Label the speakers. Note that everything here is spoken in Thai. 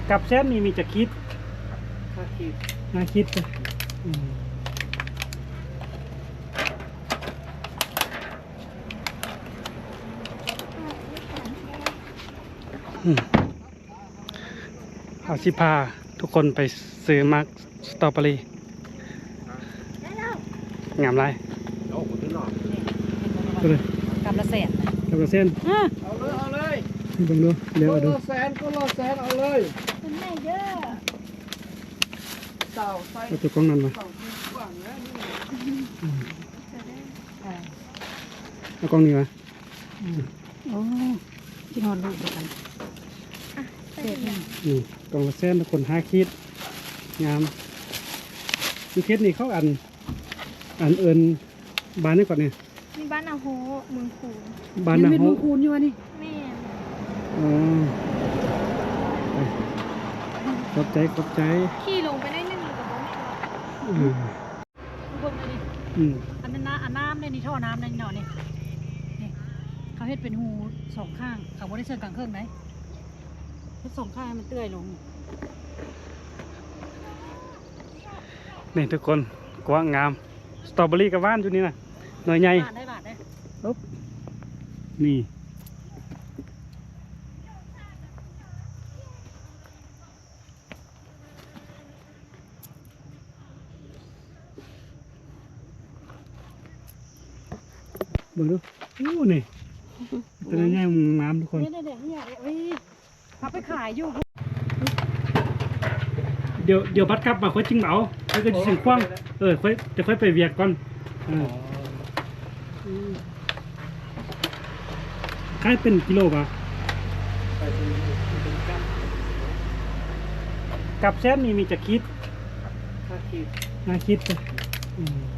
Speaker 1: กับแซมมีจะคิดน่าคิดอืมเอาสิพาทุกคนไปซื้อมักสตรอเบอรี่งามไรก็เลย
Speaker 2: กำละแสน
Speaker 1: กับเส้น
Speaker 3: เอาเลย
Speaker 1: เบิ่งดูเดี๋ยวเอาดู
Speaker 3: ก็แสนเอาเลยเป็นไงเด้อเต่าใส่
Speaker 1: เอาตัวกล้องนั้นมา
Speaker 3: เต่าที่กว้างนะนี่
Speaker 1: เอากล้องนี้มา
Speaker 2: โอ้ที่นอนลูกเดียวกันเด็กนี่
Speaker 1: นี่กล่องละเส้นทุกคน5 ขีดงามมีเคสนี่เขาอันเอิญบ้านนี่ก่อนเนี่ย
Speaker 4: มีบ้านอาโฮเมืองคูน
Speaker 1: บ้าน
Speaker 2: ยั
Speaker 1: นะ
Speaker 2: งเป็น
Speaker 1: โฮ
Speaker 2: มุงคูนอยู่วะนี่
Speaker 4: แม่น
Speaker 1: อ๋อขอบใจ
Speaker 4: ขี่ลงไปได้1 หรือกับบ้าน
Speaker 1: อืม
Speaker 2: ทุกคนเลยดิ
Speaker 1: อืม
Speaker 2: อันนั้นนะอันน้ำเนี่ยนี่ท่อน้ำเนี่ยนี่เนาะนี่นี่เขาเฮ็ดเป็นหู2 ข้างเขาบ่ได้เชิงกลางเครื่องไหนเฮ็ด2 ข้างให้มันเตื้อยลง
Speaker 1: นี่ทุกคนกว้างงามสตรอเบอรี่กับว่านอยู่นี่นะหน่อยใหญ่
Speaker 2: บาทได้บาทได้
Speaker 1: นี่เบิ่งดูโอ้นี่ตัวใหญ่ๆงามทุกคน
Speaker 2: เนี่ยเนี่ยเอ้ยเขาไปขายอยู่
Speaker 1: เดี๋ยวบัดกลับมาค่อยจิ้งเหมาค่อยก็จะถึงคว้างค่อยจะค่อยไปเวียกก่อนขายเป็นกิโลป่ะกับแซมมีจะคิด
Speaker 3: ถ้าขีด
Speaker 1: น่าคิดจ้ะอืม